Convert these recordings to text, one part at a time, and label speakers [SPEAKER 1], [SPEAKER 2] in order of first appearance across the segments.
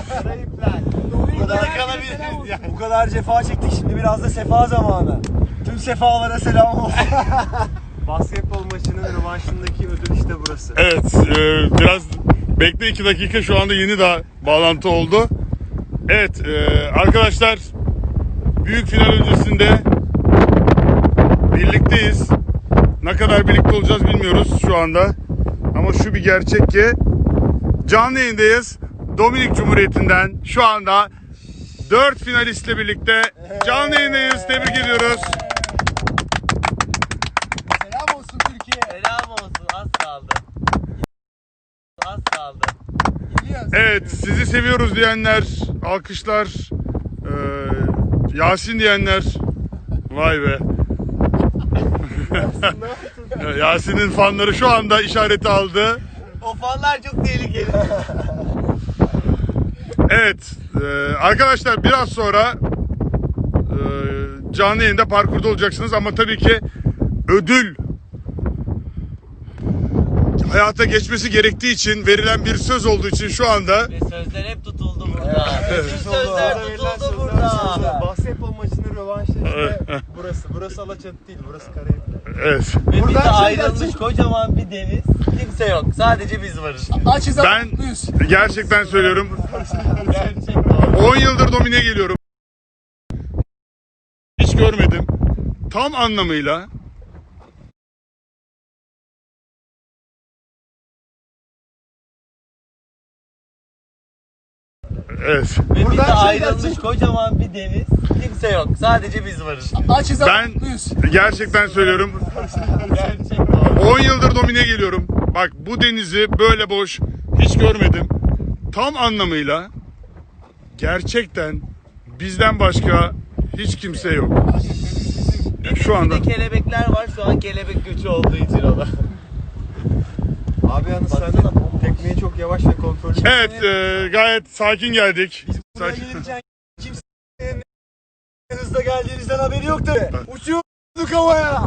[SPEAKER 1] Bu kadar cefa çektik, şimdi biraz da sefa zamanı. Tüm sefalara selam olsun. Basketbol maçının rövanşındaki ödül işte burası.
[SPEAKER 2] Evet, biraz bekle 2 dakika, şu anda yeni daha bağlantı oldu. Evet arkadaşlar, büyük final öncesinde birlikteyiz. Ne kadar birlikte olacağız bilmiyoruz şu anda. Ama şu bir gerçek ki canlı yayındayız. Dominik Cumhuriyeti'nden şu anda 4 finalistle birlikte canlı yayındayız. Tebrik ediyoruz.
[SPEAKER 1] Selam olsun Türkiye.
[SPEAKER 3] Selam olsun, az kaldı. Az kaldı.
[SPEAKER 2] Evet, sizi seviyoruz diyenler, alkışlar. Yasin diyenler, vay be. Yasin'in fanları şu anda işareti aldı.
[SPEAKER 3] O fanlar çok tehlikeli.
[SPEAKER 2] Evet, arkadaşlar biraz sonra canlı yayında parkurda olacaksınız ama tabii ki ödül hayata geçmesi gerektiği için, verilen bir söz olduğu için şu anda
[SPEAKER 3] Ve sözler hep tutuldu burada. Bütün sözler tutuldu burada.
[SPEAKER 1] Basketbol maçının rövanşı işte burası. Burası Alaçatı değil, burası Karayipler.
[SPEAKER 2] evet.
[SPEAKER 3] Ve bize
[SPEAKER 1] Buradan
[SPEAKER 3] ayrılmış kocaman bir deniz. Kimse yok. Sadece biz varız.
[SPEAKER 1] Açız ama
[SPEAKER 2] Ben
[SPEAKER 1] mutluyuz.
[SPEAKER 2] gerçekten söylüyorum,
[SPEAKER 3] Gerçekten.
[SPEAKER 2] 10 yıldır domine geliyorum. Hiç görmedim. Tam anlamıyla evet.
[SPEAKER 3] Ve bize
[SPEAKER 1] Buradan
[SPEAKER 3] ayrılmış kocaman bir deniz. Kimse yok. Sadece biz varız.
[SPEAKER 1] Açız ama
[SPEAKER 2] Ben
[SPEAKER 1] mutluyuz.
[SPEAKER 2] gerçekten söylüyorum,
[SPEAKER 3] Gerçekten.
[SPEAKER 2] 10 yıldır domine geliyorum. Bak, bu denizi böyle boş hiç görmedim. Tam anlamıyla gerçekten bizden başka hiç kimse yok. Şu anda
[SPEAKER 3] Bir de kelebekler var. Şu an kelebek göçü olduğu için o da.
[SPEAKER 1] Abi yalnız sen de tekmeyi çok yavaş ve kontrollü.
[SPEAKER 2] evet, gayet sakin geldik.
[SPEAKER 1] Buraya
[SPEAKER 2] Sakin.
[SPEAKER 1] gelirken kimsenin ne hızla geldiğinizden haberi yoktu. Uçuyorduk havaya.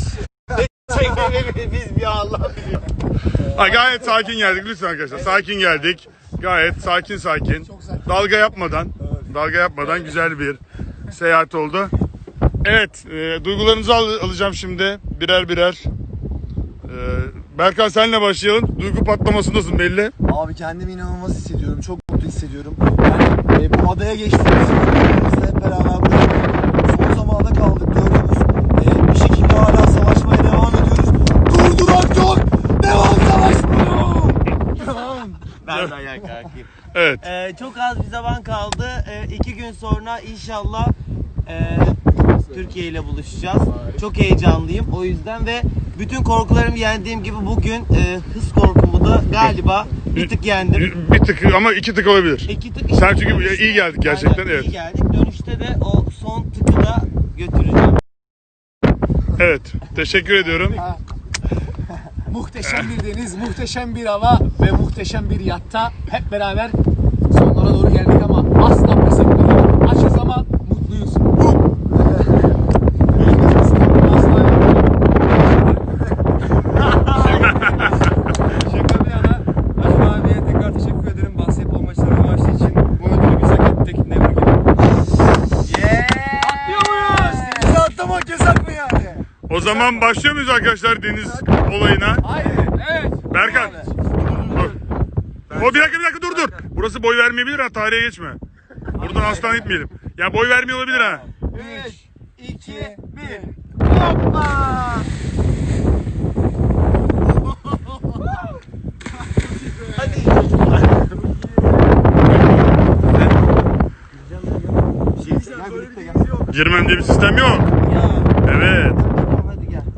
[SPEAKER 3] Biz bir Allah biliyor.
[SPEAKER 2] Gayet sakin geldik lütfen arkadaşlar. Sakin geldik. Gayet sakin. Dalga yapmadan güzel bir seyahat oldu. Evet, duygularınızı alacağım şimdi birer. Berkan, senle başlayalım. Duygu patlamasındasın belli.
[SPEAKER 1] Abi kendimi inanılmaz hissediyorum. Çok mutlu hissediyorum. Yani bu adaya geçtiğimiz yıllarımızda hep beraber burada son zamanda kaldık, gördünüz. Bir şekilde hala savaşmaya devam ediyoruz. Durdurak yok. Devam savaşmaya. Devam.
[SPEAKER 3] Ben de ayağa kalkayım.
[SPEAKER 2] Evet.
[SPEAKER 3] Çok az bir zaman kaldı. 2 gün sonra inşallah Türkiye ile buluşacağız. Çok heyecanlıyım o yüzden ve bütün korkularımı yendiğim gibi bugün hız korkumu da galiba bir tık yendim.
[SPEAKER 2] Bir tık ama 2 tık olabilir.
[SPEAKER 3] 2 tık.
[SPEAKER 2] Sen çünkü iyi geldik gerçekten.
[SPEAKER 3] Aynen,
[SPEAKER 2] Evet.
[SPEAKER 3] iyi geldik. Dönüşte de o son tıkı da götüreceğim.
[SPEAKER 2] Evet. Teşekkür ediyorum.
[SPEAKER 4] Muhteşem bir deniz, muhteşem bir hava ve muhteşem bir yatta hep beraber sonlara doğru geldik ama asla pes etmedik. Açız ama mutluyuz.
[SPEAKER 1] Şaka bir yana, Aşkın abiye tekrar teşekkür ederim. Basketbol maçları rövanşı için bu ödülü bize hak ettik. Ne bu gibi? Atlıyor muyuz? Denize atlamak yasak mı yani?
[SPEAKER 2] O zaman başlıyor muyuz arkadaşlar deniz olayına?
[SPEAKER 4] Haydi, evet.
[SPEAKER 2] Berkan. Dur. O bir dakika dur. Burası boy vermeyebilir ha, tarihe geçme. Buradan aslan gitmeyelim. Ya boy vermiyor olabilir ha.
[SPEAKER 4] 3, 2, 1.
[SPEAKER 3] Hoppa! Hadi.
[SPEAKER 2] Girmem diye bir sistem yok.
[SPEAKER 3] Ya.
[SPEAKER 2] Evet.
[SPEAKER 3] Hadi gel.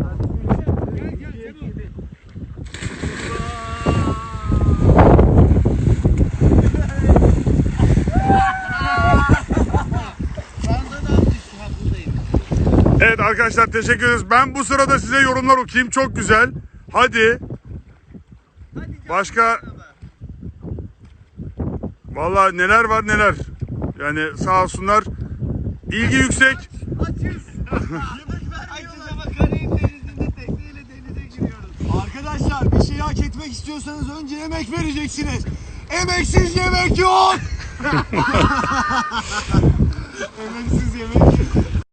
[SPEAKER 2] Evet arkadaşlar, teşekkür ederiz. Ben bu sırada size yorumlar okuyayım. Çok güzel. Hadi. Başka. Vallahi neler var neler. Yani sağ olsunlar. İlgi yüksek.
[SPEAKER 1] Arkadaşlar bir şeyi hak etmek istiyorsanız önce emek vereceksiniz. Emeksiz yemek yok. Önemsiz yemek.